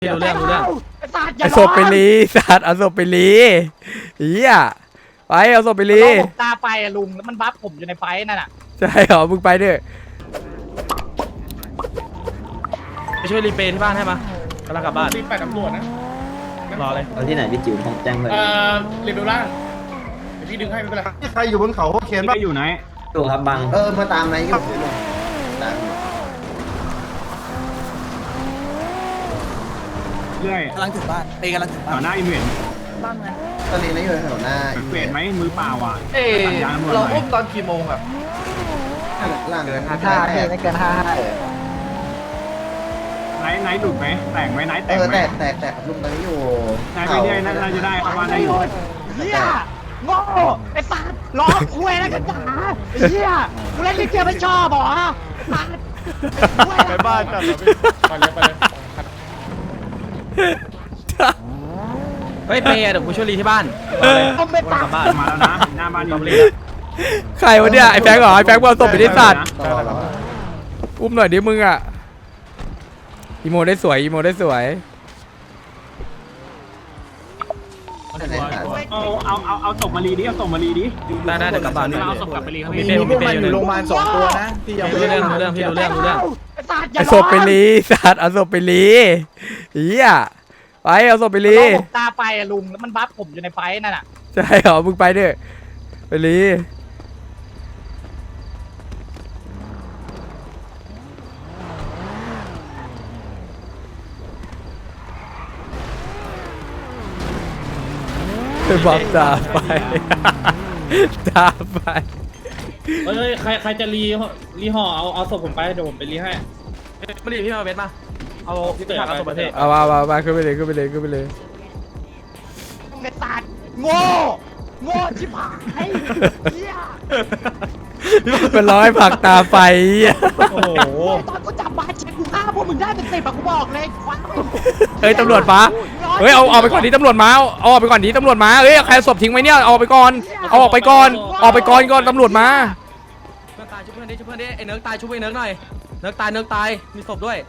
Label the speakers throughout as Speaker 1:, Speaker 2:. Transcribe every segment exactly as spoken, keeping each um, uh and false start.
Speaker 1: รู้เรื่องรู้เรื่อง
Speaker 2: ไอ้ศพไปลีสัตว์เอาศพไปลีเฮียไปเอาศพไปลี
Speaker 3: ตาไปอะลุงแล้วมันบัฟผมอยู่ในไฟนั่นน่ะ
Speaker 2: ใช่เหรอมึงไปด้วย
Speaker 1: ไปช่วยรีเปย์ที่บ้านให้มะกำลังกลับบ้าน
Speaker 4: รีบไปตำรวจนะ
Speaker 1: รอเลย
Speaker 5: เอาที่ไหนพี่จิ๋วผมแจ้งเลย
Speaker 4: เอ่อรีบดูล่างเดี๋ยวพี่ดึงให้ไม่เป็นไร
Speaker 6: ใครอยู่บนเขาเคนบ้างอยู่ไหน
Speaker 5: ดูครับบัง
Speaker 6: เออมาตามไหนอยู่ตาม
Speaker 7: เรื่อย
Speaker 8: กำลังถึงบ้านเอกำลังถึง
Speaker 7: แถ
Speaker 8: บ้าน
Speaker 7: วหน้าอิมเวน
Speaker 6: ตอนนี้นะอยู่แถวหน้า
Speaker 7: เปลี่ยนไหมมือเปล่าอ่ะ
Speaker 4: เอ้เราอุ้มตอนกี่โมงครับ
Speaker 6: ล่างเกิน
Speaker 3: ห้าห้าไม่เกินห้าห้า
Speaker 7: ไนท์ไนท์หลุดไหมแตกไหมไนท์แต
Speaker 6: เอก อ
Speaker 7: ไหม
Speaker 6: แตกแตกแตกลุงตอนนี้อยู่
Speaker 7: ไนท์ไปเรื่อยน่าจะได้เข้าบ้านได้อยู่
Speaker 3: เฮียโง่ไอ้สัตว์ล้อคุยแล้วกันจ๋าไอ้เฮียกูเล่นลิเกไม่ชอบเหรอสัตว์
Speaker 4: ไปบ้านกันไปเลยไปเลย
Speaker 1: เฮ้ยเปย์เดี๋ยวกูช่วยรีที่บ้านรอเลย
Speaker 3: ผมไม่
Speaker 1: ก
Speaker 3: ตา
Speaker 1: ลับบ้าน
Speaker 7: มาแล้วนะหน้าบ้านอิมเวน
Speaker 2: ใครวะเนี่ยไอ้แฟงเหรอไอ้แฟงเอาศพไปที่สัตว์
Speaker 6: ต่อ
Speaker 2: อุ้มหน่อยดิมึงอ่ะอีโมได้สวยอีโมได้สวย
Speaker 7: เอาเอาเอาเอาศพมารีดิเอาศพมารีดิ
Speaker 1: ได้ได้เดี๋ยวกลับบ้าน
Speaker 4: เอาศพกลับไปรีครับ
Speaker 1: มี
Speaker 4: พี่
Speaker 1: เปย์มีเปย์อยู่หนึ่ง
Speaker 3: สองตัวนะที่ยัง
Speaker 1: รู้เรื่องรู้เรื่องพี่รู้เรื่องรู้เรื่อง
Speaker 3: ไอ้สัตว์อย่า
Speaker 2: ไอ้ศพไปลีสัตว์เอาศพไปลีเฮียไปเอาศพไปลี
Speaker 3: ตาไปอะลุงแล้วมันบัฟผมอยู่ในไฟนั่นน่ะ
Speaker 2: ใช่เหรอมึงไปด้วยไปลีบอกตาไปตาไป
Speaker 4: เฮ้ยใครใครจะรีรีห่อเอาเอาศพผมไปเดี๋ยวผมไปรีให้
Speaker 1: มารีพี่มาเบสมาเอาพี่ผักเอาสมบัติ
Speaker 2: เอามามามาขึ้นไปเลยขึ้นไปเลยขึ้นไปเลย
Speaker 3: ไอ้สัตว์โง่โง่ชิบหายเฮีย
Speaker 2: เป็นร้อยผักตาไฟ
Speaker 1: โอ้โห
Speaker 3: ตอนกูจับมาเช็คกูฆ่าพวกมึงได้เป็นสิบอะกูบอกเลยคว้า
Speaker 2: เฮ้ยตำรวจมาเฮ้ยเอาออกไปก่อนดิตำรวจมาเอาออกไปก่อนดิตำรวจมาเฮ้ยใครศพทิ้งไว้เนี่ยเอาออกไปก่อนเอาออกไปก่อนออกไปก่อนก่อนตำรวจมา
Speaker 1: เพื่อนตายชุบเพื่อนดิชุบเพื่อนดิไอ้เนิร์กตายชุบไอ้เนิร์กหน่อยเนิร์กตายเนิร์กตายมีศพด้วย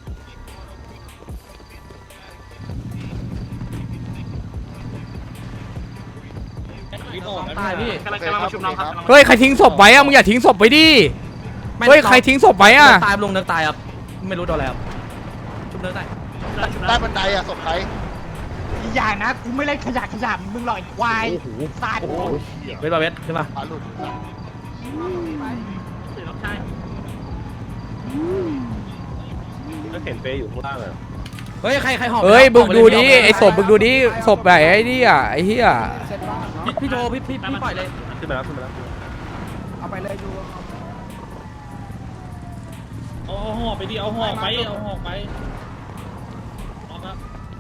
Speaker 1: ตายพี่
Speaker 4: กำลังกำลังมาชุบน้องครับ
Speaker 2: เฮ้ยใครทิ้งศพไว้อะมึงอย่าทิ้งศพไว้ดิเฮ้ยใครทิ้งศพไว้อะ
Speaker 1: ตายลงเนิร์กตายครับไม่รู้โดนอะไรครับชุบเนิร์กตาย
Speaker 6: ใต้บันไดอะศพใคร
Speaker 3: อีกอย่างนะกูไม่เล่นขยะขยะมึงหรอกไอ้ควายสัตว์
Speaker 1: เวทมาเวทขึ้นมา
Speaker 6: ปลาหลุด
Speaker 4: ก็เห็นเปย์อยู่ข้างล่างอะ
Speaker 1: เฮ้ยใครใครหอบ
Speaker 2: เฮ้ยบึกดูดิไอ้ศพบึกดูดิศพไหนไอ้นี่อะไอ้เหี้ย
Speaker 1: พี่พี่โจพี่พี่พี่ปล่อยเลย
Speaker 4: ขึ้นมาแล้วขึ้นมาแล้ว
Speaker 8: เอาไปเลยดู
Speaker 4: เอาห่อไปดิเอาห่อไปเอาห่อไปเอาครับ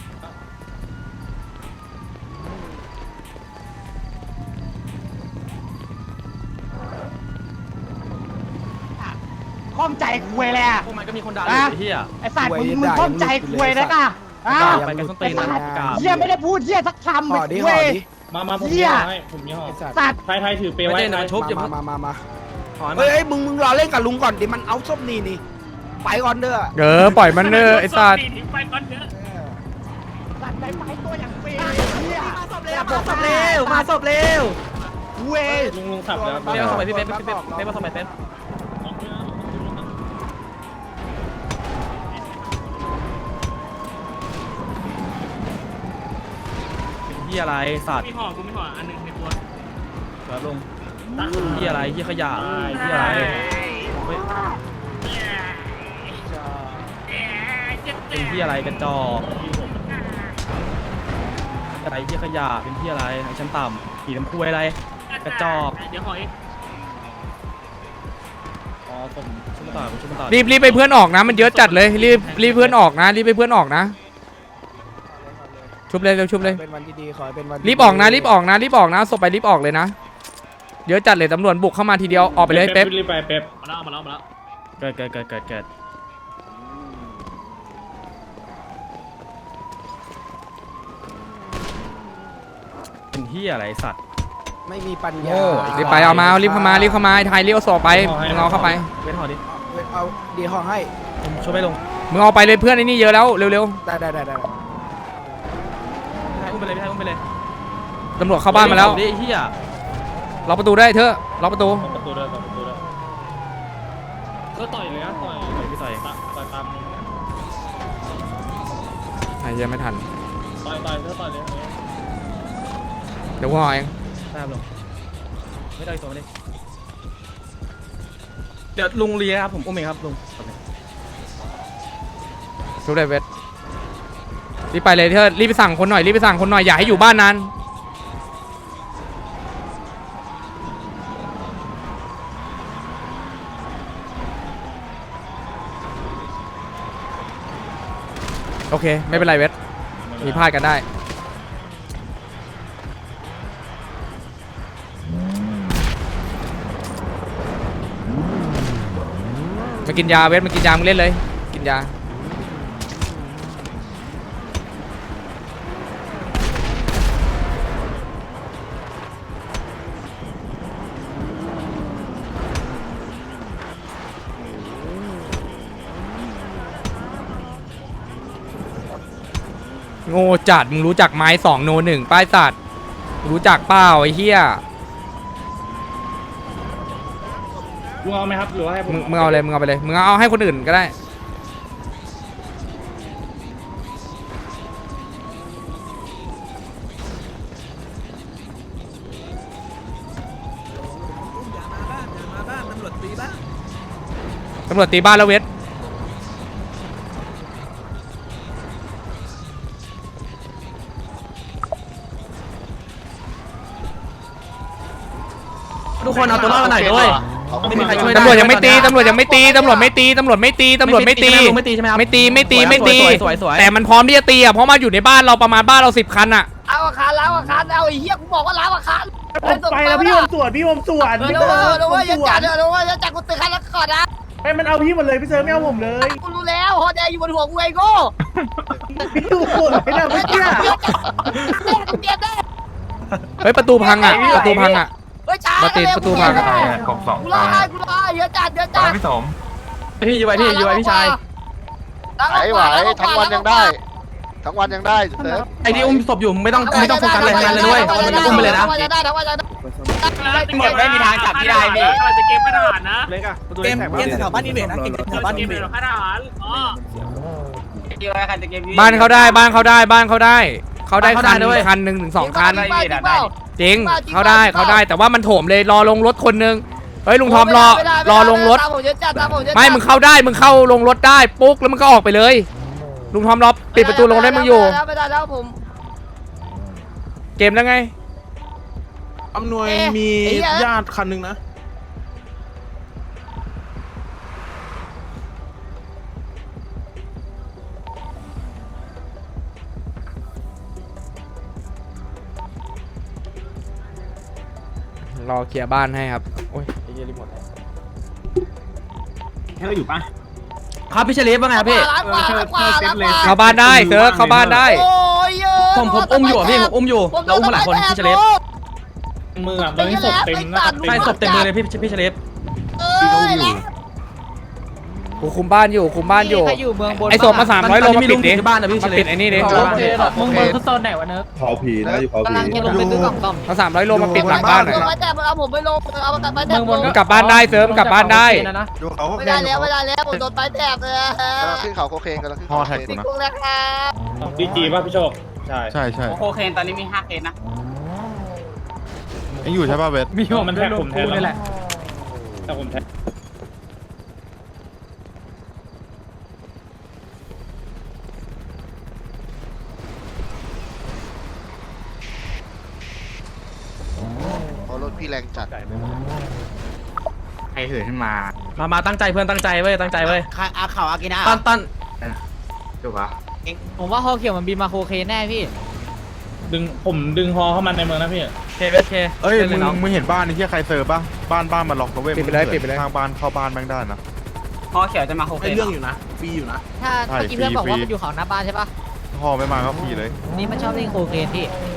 Speaker 3: ข้องใจคุยเลยอะ
Speaker 1: พวกมันก็มีคนด่าอยู่ไอ้เหี้ย
Speaker 3: ไอ้สัตว์มึงมึงข้องใจคุยนะกะอ่ะ
Speaker 1: ไปกันส้นตีนนะกาบ
Speaker 3: เฮียไม่ได้พูดเฮียสักคำ
Speaker 8: ห่อดิ
Speaker 3: เว้
Speaker 8: ห่อย ดิ
Speaker 4: มามาผม
Speaker 3: เหี้
Speaker 4: มี
Speaker 3: ย
Speaker 4: ห่อให้ผมมีห่อ
Speaker 8: ไอ้สัตว์
Speaker 3: สัตว์
Speaker 4: ไทยไทยถือเปย์
Speaker 1: ไม่
Speaker 4: ไว้
Speaker 1: ใช่นะชุบอย่า
Speaker 8: มา
Speaker 1: เพิ่ง
Speaker 8: มามามา
Speaker 1: ถอน
Speaker 8: เฮ้ยเฮ้ยมึงมึงรอเล่นกับลุงก่อนดิมันเอาส้มนี่นี่ไปก่อนเด้อ
Speaker 2: เออปล่อยมันเนอะไอ้สัตว์
Speaker 4: ไปก่อนเถอะ
Speaker 3: สัตว์ไปไปตัวอย่างเปย์เฮีย
Speaker 1: มาศพเร็วมาศพเร็ว
Speaker 3: เว้ย
Speaker 4: ลุงลุงสับแล้ว
Speaker 1: เป๊ปมาศพไปพี่เป๊ปพี่เป๊ปเป๊ปมาศพไปเป๊ปเฮียอะไรสัตว์
Speaker 4: มีห่อกูมีห่ออันนึงในตัว
Speaker 1: ครับลุงเฮียอะไรเฮียขยะเฮียอะไรเป็นเฮียอะไรกันจอกอะไรเฮียขยะเป็นเฮียอะไรไอ้ชั้นต่ำขี่น้ำคุยอะไรกระจอก
Speaker 4: เดี๋ยวห่อเอง
Speaker 1: อ๋อผมชุบมาต่อผมชุบมาต่อ
Speaker 2: รีบรีบไปเพื่อนออกนะมันเยอะจัดเลยรีบรีบเพื่อนออกนะรีบไปเพื่อนออกนะชุบเลยเร็วชุบเลย
Speaker 8: เป็นวันที่ดีขอให้เป็นวัน
Speaker 2: รีบออกนะรีบออกนะรีบออกนะศพไปรีบออกเลยนะเยอะจัดเลยตำรวจบุกเข้ามาทีเดียวออกไปเลยเป๊ป
Speaker 4: รีบไปเป๊ปมาแล้วมาแล้วมาแล้ว
Speaker 1: เกิดเกิดเกิดเกิดเกิดเป็นเฮียอะไรสัตว์
Speaker 8: ไม่มีปัญญา
Speaker 2: โง่รีบไปเอามารีบเข้ามารีบเข้ามาไอ้ไทยรีบเอาศพไปมึงเอาเข้าไป
Speaker 1: เว้นหอดิ
Speaker 8: เอาดีห้องให้
Speaker 1: ผมช่วยไม่ลง
Speaker 2: มมึงเอาไปเลยเพื่อนไอ้นี่เยอะแล้วเร็ว
Speaker 8: ได้ได้ได้ได้
Speaker 1: อุ้มไปเลยพี่ชายอุ้มไปเลย
Speaker 2: ๆตำรวจเข้าบ้านมาแล้ว
Speaker 1: ดิเฮีย
Speaker 2: ล็อกประตูได้เถอะล็อกประตู
Speaker 4: ประตูด้วยประตูด้วยก็ต่อยเลยนะต่อยต่อยพี่ต่อยต่อยตาม
Speaker 2: ไอ้เหี้ยังไม่ทัน
Speaker 4: ต่อยต่อยก็ต่อยเลย
Speaker 2: เดี๋ยวกูห่อเอง
Speaker 1: ได้ครับลุงไม่ได้อีกตัวมาดิเดี๋ยวลุงเลียครับผมอุ้มเองครับลุง
Speaker 2: ชุบได้เวทรีบไปเลยเถอะรีบไปสั่งคนหน่อยรีบไปสั่งคนหน่อยอย่าให้อยู่บ้านนานโอเคไม่เป็นไรเวทมีพลาดกันได้มากินยาเวทมากินยามึงเล่นเลยกินยาโง่จัดมึงรู้จักไม้สองโนหนึ่งป้ายสัตว์รู้จักเปล่าไอ้เหี้ย
Speaker 4: ลุงเอาไหมครับหรือว่าให้ผม
Speaker 2: มึงมึงเอาเลยมึงเอาไปเลยมึงเอาให้คนอื่นก็ได้ตำรวจตีบ้านแล้วเวท
Speaker 1: ทุกคนเอาตัวรอดมาหน่อยด้วยไม่มีใครช่วยได้
Speaker 2: ตำรวจยังไม่ตีตำรวจยังไม่ตีตำรวจไม่ตีตำรวจไม่ตีตำรวจไม่ตี
Speaker 1: ไม่ตีใช่ไหมครับ
Speaker 2: ไม่ตีไม่ตีไม่ตี
Speaker 1: สวยสวยสวย
Speaker 2: แต่มันพร้อมที่จะตีอ่ะเพราะมาอยู่ในบ้านเราประมาณบ้านเราสิบคันอ่ะ
Speaker 3: เอาอาคารล้างอาคารเอาไอ้เหี้ยกูบอกว่าล้างอาคาร
Speaker 9: ไปแล้วพี่อมสวนพี่อมสวน
Speaker 3: เออ
Speaker 9: พี่
Speaker 3: เอ
Speaker 9: เซิร์
Speaker 3: อ
Speaker 9: ฟ
Speaker 3: เออ
Speaker 9: อม
Speaker 3: อย่า
Speaker 9: สว
Speaker 3: จัด
Speaker 9: น
Speaker 3: เอออย่าจัดกูตึกคันละก่อนนะ
Speaker 9: ให้มันเอาพี่หมดเลยพี่เซิร์ฟไม่เอาผมเลย
Speaker 3: กูรู้แล้วฮอแดงอยู่บนหัวกูไอ้โง่
Speaker 9: พี่ดูสวนไม่ได้ไม่เชื่อ
Speaker 3: เตรียมได้
Speaker 2: เฮ้ยประตูพังอ่ะประตูพังอ่ะ
Speaker 3: เฮ้ยช้า
Speaker 2: มาติดประตูพัง
Speaker 7: กบสอง
Speaker 3: กูรอให้กูรอให้เยอะจัดเยอะจัด
Speaker 7: พี่สม
Speaker 1: พี่อยู่ไว้พี่อยู่ไว้พี่ชาย
Speaker 6: ไหวไหวทั้งวันยังได้ ทั้งวันยังได้เซิร์ฟ
Speaker 1: ไอ้ที่อุ้มศพอยู่ไม่ต้องไม่ต้องโฟกัสอะไรทั้งนั้นเลยด้วยอุ้มไปเลยนะ
Speaker 3: จะได้ทั้งวันจะได้
Speaker 4: หมดไม่มีทางจับที่ได้พี่เราจะเกมทหารนะ
Speaker 8: เล็กอะประตู
Speaker 9: เก
Speaker 8: เล็ก
Speaker 9: ม
Speaker 8: แท็ก
Speaker 9: เกมแถวบ้านนี่เบรนะเกมแถวบ้านนี่เบร
Speaker 4: ทหารอ๋อที่ว่าใครจะเกม
Speaker 2: บ้านเขาได้บ้านเขาได้บ้านเขาได้เขาได้คันคันหนึ่งถึงสองคันจริงเขาได้เขาได้แต่ว่ามันโถมเลยรอลงรถคนนึงเฮ้ยลุงทอมรอรอลงรถไม่มึงเข้าได้มึงเข้าลงรถได้ปุ๊กแล้วมึงก็ออกไปเลยลุงทอมรอปิดประตูลงได้มึงอยู่
Speaker 3: ไม่ได้แล้วผม
Speaker 2: เกมแล้วไง
Speaker 8: อำนวยมีญาติคันหนึ่งนะ
Speaker 2: รอเคลียร์บ้านให้ครับโอ้ยไอ้เหี้ยรีโมท
Speaker 7: เธออยู่ปะ
Speaker 1: ครับพี่เฉลียบว่าไงครับพี่
Speaker 2: เข้าบ้านได้เซิร์ฟเข้าบ้านได้
Speaker 1: ผมผมอุ้มอยู่อ่ะพี่ผมอุ้มอยู่เราอุ้มมาหลายคนพี่เฉลียบ
Speaker 4: มืออ่ะตอนนี้ศพเต็มนะ
Speaker 1: ใช่ศพเต็มมือเลยพี่พี่เฉลียบ
Speaker 2: กูคุมบ้านอยู่คุมบ้านอยู่
Speaker 3: ใครอยู่เมืองบน
Speaker 2: ไอ้ศพมาสามร้อยโลมาปิดดิ
Speaker 1: ที่บ้านนะพี่
Speaker 2: มา
Speaker 1: เฉลี
Speaker 2: ปิ
Speaker 1: ย
Speaker 2: ดไอ้นี่ดิ
Speaker 3: มึงมึงคือโซนไหนวะเนิร์ก
Speaker 6: เผาผีนะอยู่เผาผี
Speaker 3: กำลังจะลงไปซื้อกล่องซ่อม
Speaker 2: มาสามร้อยโลมาปิดหลังบ้านหน่อย
Speaker 3: ไว้แต่เอาผมไปลงเอาไปไปแต่
Speaker 2: มึงกลับบ้านได้เซิร์ฟมึงกลับบ้านได้
Speaker 6: ดูเขา
Speaker 3: ไม่ได้แล้วไม่ได้แล้วผมโดนไปแตกเลย
Speaker 6: กำลังขึ้นเขาโคเคนกำลังขึ้นเขาโคเคน
Speaker 3: ติดคุกแล้วครับ
Speaker 4: ดีจีป่ะพี่โชคใช่
Speaker 6: ใช่ใช่
Speaker 4: โคเคนตอนนี้มีห้าเคสนะ
Speaker 6: ยังอยู่ใช่ป่ะเวท
Speaker 4: มีมันแท็กผมแทนแล้วแต่ผมแท็ก
Speaker 6: เพราะรถพี่แรงจัด
Speaker 7: ใครเหินขึ้นมา
Speaker 1: มามาตั้งใจเพื่อนตั้งใจเว้ยตั้งใจเว้ย
Speaker 3: อาข่าวอากินะ
Speaker 1: ตั้นตั้น
Speaker 7: ถูกปะ
Speaker 3: ผมว่าฮอเขียวมันบินมาโคเคนแน่พี่
Speaker 4: ดึงผมดึงฮอเข้ามาในเมืองนะพี่
Speaker 1: เคเวสเค
Speaker 6: เอ้ย
Speaker 1: ล่น
Speaker 6: มึง
Speaker 1: น้อง
Speaker 6: มึงเห็นบ้านนี่ที่ใครเซิร์ฟป่ะบ้านบ้านมันล็อกนะเว้ย
Speaker 2: ปิดไปเลยปิดไปเลย
Speaker 6: ทางบ้านเข้าบ้านแม่งได้นะ
Speaker 4: ฮอเขียวจะมาโคเคน
Speaker 8: ไอเรื่องอยู่นะฟรีอยู่นะ
Speaker 3: ถ้า
Speaker 6: ใช่
Speaker 3: เมื่อกี้เพื่อนบอกว่า
Speaker 6: ฟรี
Speaker 3: มันอยู่เขาหน้าบ้านใช่ปะ
Speaker 6: พอไม่มาก็ฟรีเลย
Speaker 3: นี่มันชอบเล่นโคเคนพี่